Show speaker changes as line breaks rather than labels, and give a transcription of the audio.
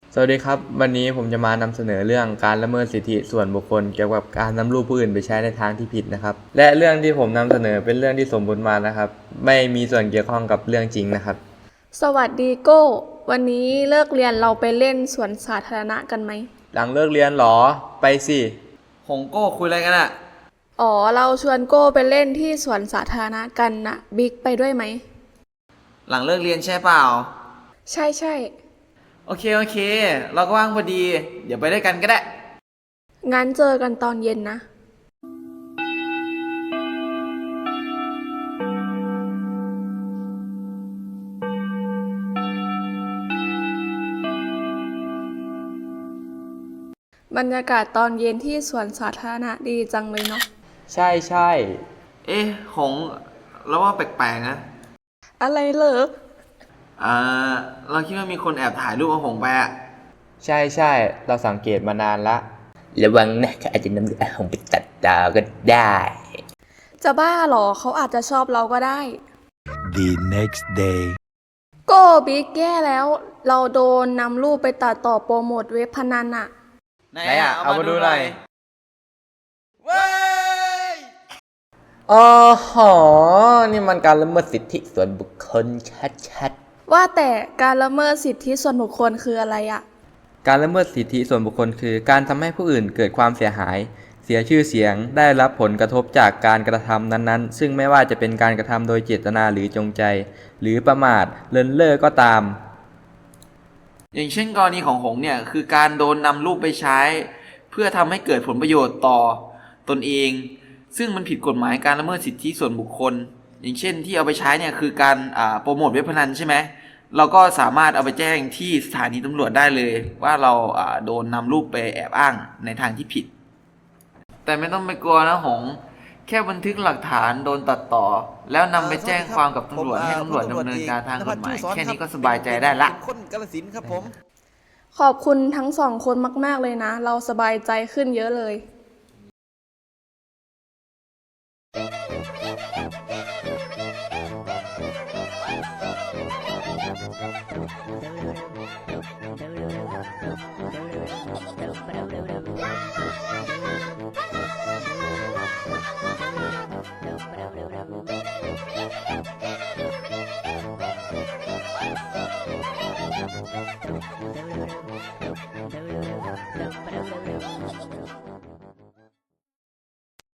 สวัสดีครับวันนี้ผมจะมานำเสนอเรื่องการละเมิดสิทธิส่วนบุคคลเกี่ยวกับการนำรูปผู้อื่นไปใช้ในทางที่ผิดนะครับและเรื่องที่ผมนำเสนอเป็นเรื่องที่สมมุติมานะครับไม่มีส่วนเกี่ยวข้องกับเรื่องจริงนะครับ
สวัสดีโก้วันนี้เลิกเรียนเราไปเล่นสวนสาธารณะกันไหม
หลังเลิกเรียนหรอไปสิ
หงโก้คุยอะไรกันอะ
อ๋อเราชวนโก้ไปเล่นที่สวนสาธารณะกันนะบิ๊กไปด้วยไหม
หลังเลิกเรียนใช่เปล่า
ใช่ใช่
โอเคเราก็ว่างพอดีเดี๋ยวไปด้วยกันก็ได้
งั้นเจอกันตอนเย็นนะบรรยากาศตอนเย็นที่สวนสาธารณะดีจังเลยเนาะ
ใช่
เอ๊ะหงเราว่าแปลกๆนะ
อะไรเหรอ
อ่าเราคิดว่ามีคนแอบถ่ายรูปเอาหงไปอะ
ใช่เราสังเกตมานานละระวังนะเขาอาจจะนำรูปอาหงไปตัดดาวก็ได้
จะบ้าเหรอเขาอาจจะชอบเราก็ได้
The next day
โก้บิ๊กแย่แล้วเราโดนนำรูปไปตัดต่อโปรโมทเว็บพนันอะ
ไหนอะเอามาดูหน่อยเว้ย
อ๋อหอนี่มันการละเมิดสิทธิส่วนบุคคลชัด
ว่าแต่การละเมิดสิทธิส่วนบุคคลคืออะไรอะ
ๆการละเมิดสิทธิส่วนบุคคลคือการทำให้ผู้อื่นเกิดความเสียหายเสียชื่อเสียงได้รับผลกระทบจากการกระทำนั้นๆซึ่งไม่ว่าจะเป็นการกระทำโดยเจตนาหรือจงใจหรือประมาทเลินเล่อก็ตาม
อย่างเช่นกรณีของหงเนี่ยคือการโดนนำรูปไปใช้ เพื่อทำให้เกิดผลประโยชน์ต่อตนเองซึ่งมันผิดกฎหมายการละเมิดสิทธิส่วนบุคคลอย่างเช่นที่เอาไปใช้เนี่ยคือการโปรโมทเว็บพนันใช่ไหมเราก็สามารถเอาไปแจ้งที่สถานีตำรวจได้เลยว่าเราโดนนำรูปไปแอบอ้างในทางที่ผิดแต่ไม่ต้องไปกลัวนะหงแค่บันทึกหลักฐานโดนตัดต่อแล้วนำไปแจ้งความกับตำรวจให้ตำรวจดำเนินการทางกฎหมายแค่นี้ก็สบายใจได้ละ
คนกาฬสินธุ์ครับผม
ขอบคุณทั้งสองคนมากๆเลยนะ เราสบายใจขึ้นเยอะเลย